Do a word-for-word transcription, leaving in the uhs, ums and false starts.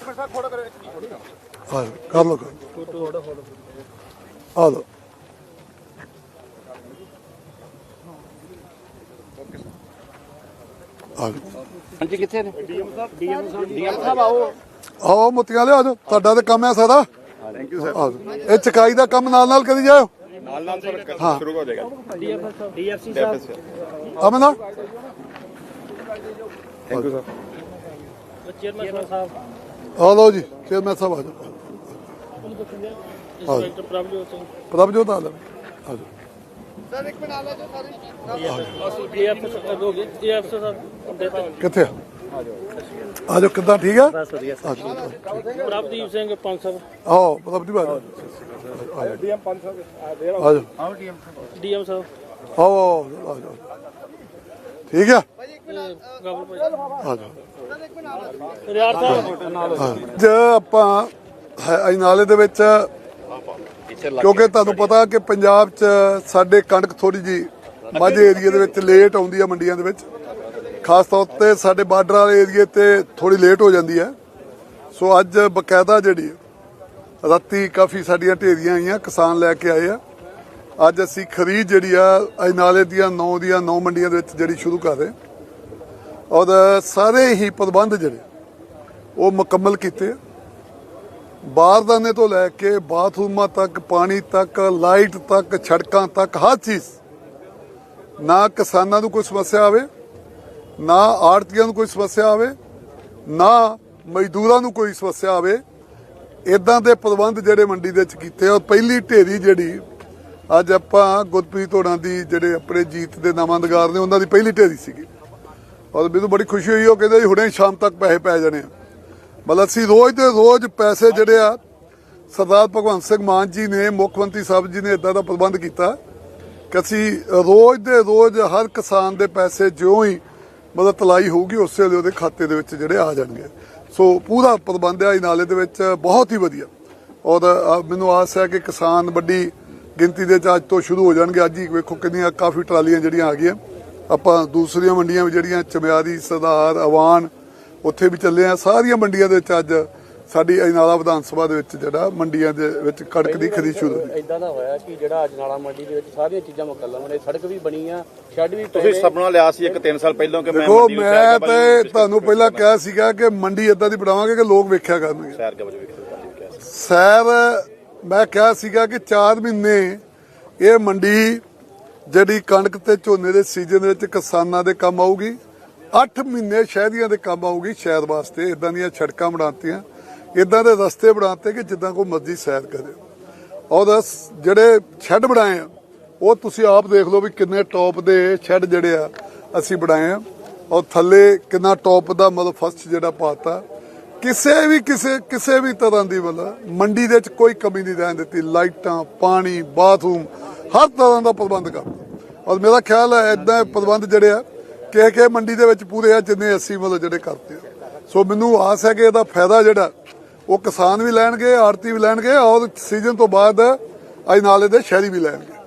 कर लो आ लो ਹਾਂਜੀ ਕਿੱਥੇ ਨੇ ਡੀਐਮ ਸਾਹਿਬ ਡੀਐਮ ਸਾਹਿਬ ਡੀਐਮ ਸਾਹਿਬ ਆਓ आओ मोतियां ले आ जाओ ਤੁਹਾਡਾ ਤੇ ਕੰਮ ਹੈ ਸਾਰਾ ਥੈਂਕ ਯੂ ਸਰ ਇਹ ਚਕਾਈ ਦਾ ਕੰਮ ਨਾਲ ਨਾਲ ਕਰੀ ਜਾਓ ਨਾਲ ਨਾਲ ਸਰ ਸ਼ੁਰੂ ਹੋ ਜਾਏਗਾ ਡੀਐਫ ਸਾਹਿਬ ਡੀਐਫਸੀ ਸਾਹਿਬ ਅਮਨਾ ਥੈਂਕ ਯੂ ਸਰ ਚੇਅਰਮੈਨ ਸਾਹਿਬ ਆ ਲਓ ਜੀ ਚੇਅਰਮੈਨ ਸਾਹਿਬ ਆ ਜਾਓ ਇੰਸਪੈਕਟਰ ਪ੍ਰਭਜੋਤ ਸਿੰਘ ਪ੍ਰਭਜੋਤ ਆ ਲਓ ਆ ਜਾਓ ਸਰ ਇੱਕ ਮਿੰਟ ਆ ਲੈ ਜੋ ਸਾਰੀ ਡੀਐਫ ਸਾਹਿਬ ਹੋ ਗਏ ਡੀਐਫ ਸਾਹਿਬ ਕਿੱਥੇ ਆ ਜਾਓ ਕਿੱਦਾਂ ਠੀਕ ਆ ਬਸ ਵਧੀਆ ਸਰ ਪ੍ਰਭਦੀਪ ਸਿੰਘ ਪੰਜ ਸਾਹਿਬ ਆਓ ਪ੍ਰਭਦੀਪ ਆ ਜਾਓ ਡੀਐਮ ਪੰਜ ਸਾਹਿਬ ਆ ਜਾਓ ਆਓ ਡੀਐਮ ਸਾਹਿਬ ਡੀਐਮ ਸਾਹਿਬ ਆਓ ਆਓ ਆ ਜਾਓ ਠੀਕ ਆ ਗਾਬਲ ਭਾਈ ਆ ਜਾਓ ਰਿਆੜ ਸਾਹਿਬ ਜੇ ਆਪਾਂ ਇਹ ਨਾਲੇ ਦੇ ਵਿੱਚ ਕਿਉਂਕਿ ਤੁਹਾਨੂੰ ਪਤਾ ਕਿ ਪੰਜਾਬ 'ਚ ਸਾਡੇ ਕਣਕ ਥੋੜੀ ਜੀ ਮਾਝੇ ਏਰੀਏ ਦੇ ਵਿੱਚ ਲੇਟ ਆਉਂਦੀ ਆ ਮੰਡੀਆਂ ਦੇ ਵਿੱਚ ਖਾਸ ਤੌਰ ਤੇ ਸਾਡੇ ਬਾਰਡਰ ਵਾਲੇ ਏਰੀਏ ਤੇ ਥੋੜੀ ਲੇਟ ਹੋ ਜਾਂਦੀ ਹੈ ਸੋ ਅੱਜ ਬਕਾਇਦਾ ਜਿਹੜੀ ਰਾਤੀ ਕਾਫੀ ਸਾਡੀਆਂ ਢੇਰੀਆਂ ਆਈਆਂ ਕਿਸਾਨ ਲੈ ਕੇ ਆਏ ਆ ਅੱਜ ਅਸੀਂ ਖਰੀਦ ਜਿਹੜੀ ਆ ਇਹ ਨਾਲੇ ਦੀਆਂ ਨੌ ਦੀਆਂ ਨੌ ਮੰਡੀਆਂ ਦੇ ਵਿੱਚ ਜਿਹੜੀ ਸ਼ੁਰੂ ਕਰ ਰਹੇ ਔਰ ਸਾਰੇ ਹੀ ਪ੍ਰਬੰਧ ਜਿਹੜੇ ਉਹ ਮੁਕੰਮਲ ਕੀਤੇ ਬਾਰਦਾਨੇ ਤੋਂ ਲੈ ਕੇ ਬਾਥਰੂਮਾਂ ਤੱਕ ਪਾਣੀ ਤੱਕ ਲਾਈਟ ਤੱਕ ਸੜਕਾਂ ਤੱਕ ਹਰ ਚੀਜ਼ ਨਾ ਕਿਸਾਨਾਂ ਨੂੰ ਕੋਈ ਸਮੱਸਿਆ ਆਵੇ ਨਾ ਆੜਤੀਆਂ ਨੂੰ ਕੋਈ ਸਮੱਸਿਆ ਆਵੇ ਨਾ ਮਜ਼ਦੂਰਾਂ ਨੂੰ ਕੋਈ ਸਮੱਸਿਆ ਆਵੇ ਇਦਾਂ ਦੇ ਪ੍ਰਬੰਧ ਜਿਹੜੇ ਮੰਡੀ ਦੇ ਵਿੱਚ ਕੀਤੇ ਔਰ ਪਹਿਲੀ ਢੇਰੀ ਜਿਹੜੀ ਅੱਜ ਆਪਾਂ ਗੁਰਪ੍ਰੀਤ ਹੋਣਾ ਦੀ ਜਿਹੜੇ ਆਪਣੇ ਜੀਤ ਦੇ ਨਾਮੰਦਗਾਰ ਨੇ ਉਹਨਾਂ ਦੀ ਪਹਿਲੀ ਢੇਰੀ ਸੀਗੀ ਔਰ ਮੈਨੂੰ ਬੜੀ ਖੁਸ਼ੀ ਹੋਈ ਉਹ ਕਹਿੰਦੇ ਹੁਣੇ ਸ਼ਾਮ ਤੱਕ ਪੈਸੇ ਪੈ ਜਾਣੇ ਆ ਮਤਲਬ ਅਸੀਂ ਰੋਜ਼ ਦੇ ਰੋਜ਼ ਪੈਸੇ ਜਿਹੜੇ ਆ ਸਰਦਾਰ ਭਗਵੰਤ ਸਿੰਘ ਮਾਨ ਜੀ ਨੇ ਮੁੱਖ ਮੰਤਰੀ ਸਾਹਿਬ ਜੀ ਨੇ ਇਦਾਂ ਦਾ ਪ੍ਰਬੰਧ ਕੀਤਾ ਕਿ ਅਸੀਂ ਰੋਜ਼ ਦੇ ਰੋਜ਼ ਹਰ ਕਿਸਾਨ ਦੇ ਪੈਸੇ ਜਿਉਂ ਹੀ ਮਤਲਬ ਤਲਾਈ ਹੋਊਗੀ ਉਸੇ ਵੇਲੇ ਉਹਦੇ ਖਾਤੇ ਦੇ ਵਿੱਚ ਜਿਹੜੇ ਆ ਜਾਣਗੇ ਸੋ ਪੂਰਾ ਪ੍ਰਬੰਧ ਹੈ ਨਾਲੇ ਦੇ ਵਿੱਚ ਬਹੁਤ ਹੀ ਵਧੀਆ ਔਰ ਮੈਨੂੰ ਆਸ ਹੈ ਕਿ ਕਿਸਾਨ ਵੱਡੀ ਗਿਣਤੀ ਦੇ ਅੱਜ ਤੋਂ ਸ਼ੁਰੂ ਹੋ ਜਾਣਗੇ ਅੱਜ ਹੀ ਵੇਖੋ ਕਿੰਨੀਆਂ ਕਾਫੀ ਟਰਾਲੀਆਂ ਜਿਹੜੀਆਂ ਆ ਗਈਆਂ ਆਪਾਂ ਦੂਸਰੀਆਂ ਮੰਡੀਆਂ ਵੀ ਜਿਹੜੀਆਂ ਚਮਿਆਰੀ ਸਰਦਾਰ ਅਵਾਨ ਉੱਥੇ ਵੀ ਚੱਲੇ ਆ ਸਾਰੀਆਂ ਮੰਡੀਆਂ ਦੇ ਵਿੱਚ ਅੱਜ ਸਾਡੀ ਅਜਨਾਲਾ ਵਿਧਾਨ ਸਭਾ ਦੇ ਵਿੱਚ ਜਿਹੜਾ ਮੰਡੀਆਂ ਦੇ ਵਿੱਚ ਕਣਕ ਦੀ ਖਰੀਦ ਸ਼ੁਰੂ ਹੋਈ ਇਦਾਂ ਦਾ ਹੋਇਆ ਕਿ ਜਿਹੜਾ ਅਜਨਾਲਾ ਮੰਡੀ ਦੇ ਵਿੱਚ ਸਾਰੀਆਂ ਚੀਜ਼ਾਂ ਮੁਕੱਲਮ ਨੇ ਸੜਕ ਵੀ ਬਣੀ ਆ ਸ਼ੈੱਡ ਵੀ ਤੁਸੀਂ ਸੁਪਨਾ ਲਿਆ ਸੀ ਇੱਕ ਤਿੰਨ ਸਾਲ ਪਹਿਲਾਂ ਕਿ ਮੈਂ ਦੇਖੋ ਮੈਂ ਤੇ ਤੁਹਾਨੂੰ ਪਹਿਲਾਂ ਕਿਹਾ ਸੀਗਾ ਕਿ ਮੰਡੀ ਇਦਾਂ ਦੀ ਬਣਾਵਾਂਗੇ ਕਿ ਲੋਕ ਵੇਖਿਆ ਕਰਨਗੇ ਸੈਰ ਕਵਜ ਵੇਖਿਆ ਸੈਰ ਮੈਂ ਕਿਹਾ ਸੀਗਾ ਕਿ ਚਾਰ ਮਹੀਨੇ ਇਹ ਮੰਡੀ ਜਿਹੜੀ ਕਣਕ ਤੇ ਝੋਨੇ ਦੇ ਸੀਜ਼ਨ ਦੇ ਵਿੱਚ ਕਿਸਾਨਾਂ ਦੇ ਕੰਮ ਆਊਗੀ ਅੱਠ ਮਹੀਨੇ ਸ਼ਹਿਰੀਆਂ ਦੇ ਕੰਮ ਆਊਗੀ ਸ਼ਹਿਰ ਵਾਸਤੇ ਇਦਾਂ ਦੀਆਂ ਸੜਕਾਂ ਬਣਾਤੀਆਂ ਇਦਾਂ ਦੇ ਰਸਤੇ ਬਣਾਤੇ ਕਿ ਜਿੱਦਾਂ ਕੋਈ ਮਰਜ਼ੀ ਸੈਰ ਕਰੇ ਔਰ ਜਿਹੜੇ ਸ਼ੈੱਡ ਬਣਾਏ ਆ ਉਹ ਤੁਸੀਂ ਆਪ ਦੇਖ ਲਓ ਵੀ ਕਿੰਨੇ ਟੌਪ ਦੇ ਸ਼ੈੱਡ ਜਿਹੜੇ ਆ ਅਸੀਂ ਬਣਾਏ ਆ ਔਰ ਥੱਲੇ ਕਿੰਨਾ ਟੌਪ ਦਾ ਮਤਲਬ ਫਸਟ ਜਿਹੜਾ ਪਾਤਾ ਕਿਸੇ ਵੀ ਕਿਸੇ ਕਿਸੇ ਵੀ ਤਰ੍ਹਾਂ ਦੀ ਮਤਲਬ ਮੰਡੀ ਦੇ ਵਿੱਚ ਕੋਈ ਕਮੀ ਨਹੀਂ ਰਹਿਣ ਦਿੱਤੀ ਲਾਈਟਾਂ ਪਾਣੀ ਬਾਥਰੂਮ ਹਰ ਤਰ੍ਹਾਂ ਦਾ ਪ੍ਰਬੰਧ ਕਰਤਾ ਔਰ ਮੇਰਾ ਖਿਆਲ ਹੈ ਇਦਾਂ ਪ੍ਰਬੰਧ ਜਿਹੜੇ ਆ ਕਿ ਕਿ ਮੰਡੀ ਦੇ ਵਿੱਚ ਪੂਰੇ ਆ ਜਿੰਨੇ ਅਸੀਂ ਮਤਲਬ ਜਿਹੜੇ ਕਰਦੇ ਆ ਸੋ ਮੈਨੂੰ ਆਸ ਹੈ ਕਿ ਇਹਦਾ ਫਾਇਦਾ ਜਿਹੜਾ ਉਹ ਕਿਸਾਨ ਵੀ ਲੈਣਗੇ ਆੜਤੀ ਵੀ ਲੈਣਗੇ ਔਰ ਸੀਜ਼ਨ ਤੋਂ ਬਾਅਦ ਅਜਨਾਲੇ ਦੇ ਸ਼ਹਿਰੀ ਵੀ ਲੈਣਗੇ